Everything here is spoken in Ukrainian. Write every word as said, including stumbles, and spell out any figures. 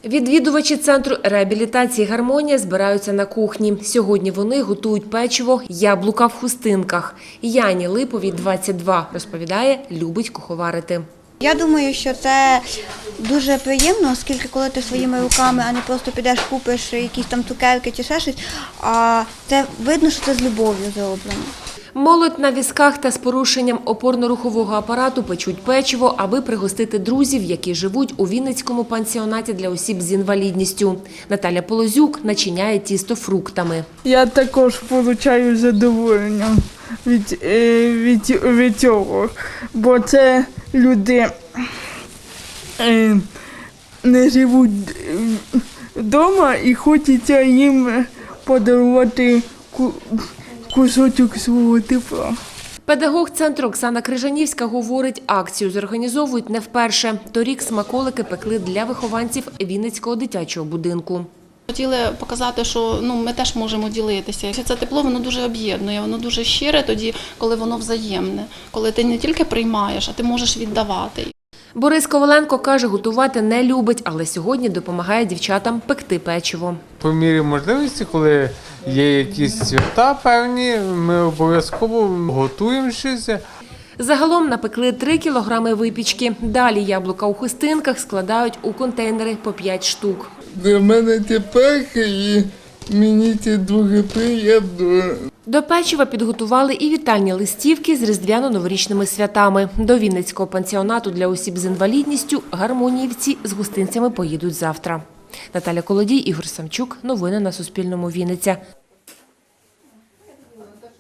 Відвідувачі центру реабілітації «Гармонія» збираються на кухні. Сьогодні вони готують печиво «Яблука в хустинках». Яні Липовій двадцять два, розповідає, любить куховарити. Я думаю, що це дуже приємно, оскільки коли ти своїми руками, а не просто підеш купиш якісь там цукерки чи ще щось, а це видно, що це з любов'ю зроблено. Молодь на візках та з порушенням опорно-рухового апарату печуть печиво, аби пригостити друзів, які живуть у Вінницькому пансіонаті для осіб з інвалідністю. Наталя Полозюк начиняє тісто фруктами. Я також отримую задоволення від, від, від цього, бо це люди не живуть вдома і хочеться їм подарувати кусочок свого тепла. Педагог центру Оксана Крижанівська говорить, акцію зорганізовують не вперше. Торік смаколики пекли для вихованців Вінницького дитячого будинку. Хотіли показати, що ну, ми теж можемо ділитися. Це тепло, воно дуже об'єднує, воно дуже щире тоді, коли воно взаємне. Коли ти не тільки приймаєш, а ти можеш віддавати. Борис Коваленко каже, готувати не любить, але сьогодні допомагає дівчатам пекти печиво. По мірі можливості, коли є якісь свята певні, ми обов'язково готуємо щось. Загалом напекли три кілограми випічки. Далі яблука у хустинках складають у контейнери по п'ять штук. Для мене це перше і мені це дуже приємно. До печива підготували і вітальні листівки з різдвяно-новорічними святами. До Вінницького пансіонату для осіб з інвалідністю гармоніївці з гостинцями поїдуть завтра. Наталя Колодій, Ігор Самчук. Новини на Суспільному. Вінниця.